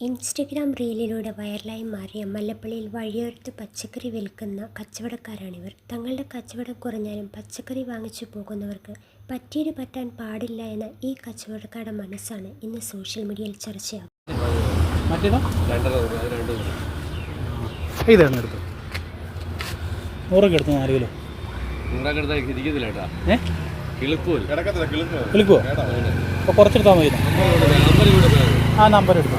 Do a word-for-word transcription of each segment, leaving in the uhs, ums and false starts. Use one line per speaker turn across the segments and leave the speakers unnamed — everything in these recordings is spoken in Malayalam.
ഇൻസ്റ്റഗ്രാം റീലിലൂടെ വൈറലായി മാറിയ മല്ലപ്പള്ളിയിൽ വഴിയോരത്ത് പച്ചക്കറി വിൽക്കുന്ന കച്ചവടക്കാരാണിവർ. തങ്ങളുടെ കച്ചവടം കുറഞ്ഞാലും പച്ചക്കറി വാങ്ങിച്ചു പോകുന്നവർക്ക് പറ്റീര് പറ്റാൻ പാടില്ല എന്ന ഈ കച്ചവടക്കാരുടെ മനസ്സാണ് ഇന്ന് സോഷ്യൽ മീഡിയയിൽ ചർച്ചയാകുന്നത്.
കുറച്ചെടുത്താൽ മതി. ആ നമ്പർ എടുത്തു.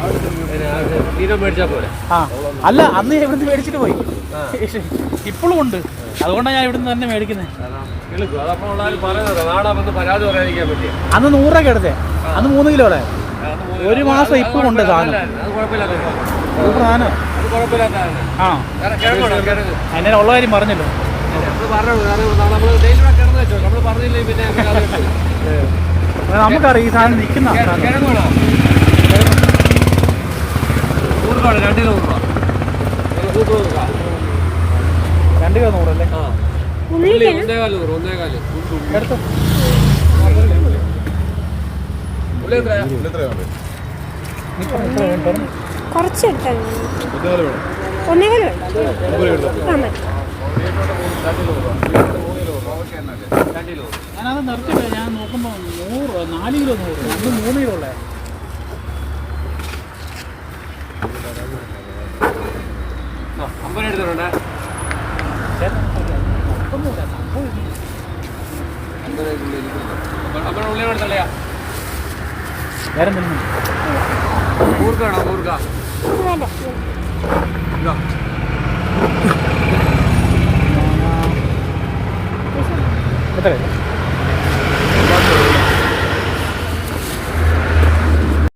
ആ അല്ല, അന്ന് ഞാൻ ഇവിടുന്ന് മേടിച്ചിട്ട് പോയി. ഇപ്പോഴും ഉണ്ട്, അതുകൊണ്ടാണ് ഞാൻ ഇവിടുന്ന് തന്നെ മേടിക്കുന്നത്. അന്ന് നൂറ് രൂപ എടുത്തേ, അന്ന് മൂന്ന് കിലോടെ ഒരു മാസം ഇപ്പോഴും ഉണ്ട് സാധനം. സാധനം ആ എന്നെ ഉള്ള കാര്യം പറഞ്ഞല്ലോ. നമുക്കറിയാം ഈ സാധനം നിൽക്കുന്ന രണ്ട് കിലോ രണ്ട് കിലോ നൂറല്ലേ? എടുത്തോ.
കുറച്ചെടുത്താൽ ഒന്നേകാല്
ഞാനത് നിർത്തില്ല. ഞാൻ നോക്കുമ്പോൾ നൂറ് നാല് കിലോ നൂറ് അന്ന് മൂന്ന് കിലോ ഉള്ളേ.
അമ്പത് എടുത്തിട്ടുണ്ടേ.
വേറെ എന്തെങ്കിലും
കൂർക്കാണോ? കൂർക്ക
എത്ര?